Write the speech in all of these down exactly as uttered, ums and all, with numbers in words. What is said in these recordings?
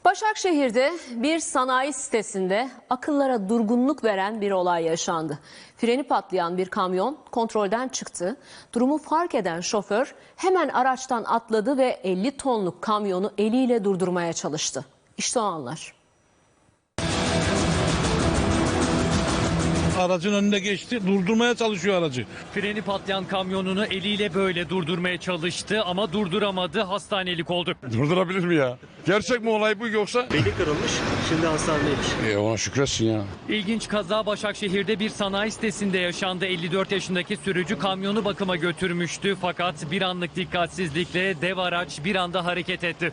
Başakşehir'de bir sanayi sitesinde akıllara durgunluk veren bir olay yaşandı. Freni patlayan bir kamyon kontrolden çıktı. Durumu fark eden şoför hemen araçtan atladı ve elli tonluk kamyonu eliyle durdurmaya çalıştı. İşte o anlar. Aracın önünde geçti, durdurmaya çalışıyor aracı. Freni patlayan kamyonunu eliyle böyle durdurmaya çalıştı ama durduramadı, hastanelik oldu. Durdurabilir mi ya? Gerçek mi olay bu yoksa? Beli kırılmış, şimdi hastanedeymiş. E ona şükretsin ya. İlginç kaza Başakşehir'de bir sanayi sitesinde yaşandı. elli dört yaşındaki sürücü kamyonu bakıma götürmüştü fakat bir anlık dikkatsizlikle dev araç bir anda hareket etti.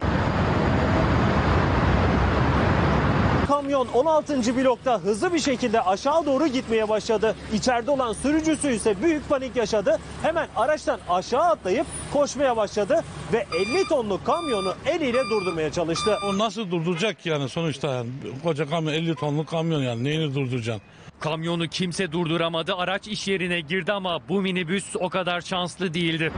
Kamyon on altıncı blokta hızlı bir şekilde aşağı doğru gitmeye başladı. İçeride olan sürücüsü ise büyük panik yaşadı. Hemen araçtan aşağı atlayıp koşmaya başladı ve elli tonluk kamyonu eliyle durdurmaya çalıştı. O nasıl durduracak ki yani sonuçta yani koca kamyon elli tonluk kamyon yani neyini durduracaksın? Kamyonu kimse durduramadı. Araç iş yerine girdi ama bu minibüs o kadar şanslı değildi.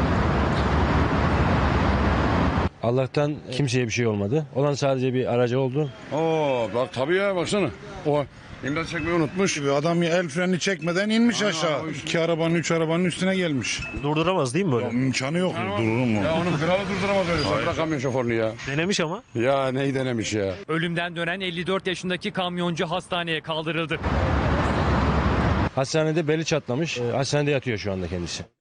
Allah'tan kimseye bir şey olmadı. Olan sadece bir aracı oldu. Oo bak tabii ya baksana. O imdat çekmeyi unutmuş. Adam el freni çekmeden inmiş Aa, aşağı. o işte. İki arabanın, üç arabanın üstüne gelmiş. Durduramaz değil mi böyle? Ya, imkanı yok. Durur mu? Ya onun kralı durduramaz öyle. Sen bırak kamyon şoförünü ya. Denemiş ama. Ya neyi denemiş ya. Ölümden dönen elli dört yaşındaki kamyoncu hastaneye kaldırıldı. Hastanede beli çatlamış. Ee, Hastanede yatıyor şu anda kendisi.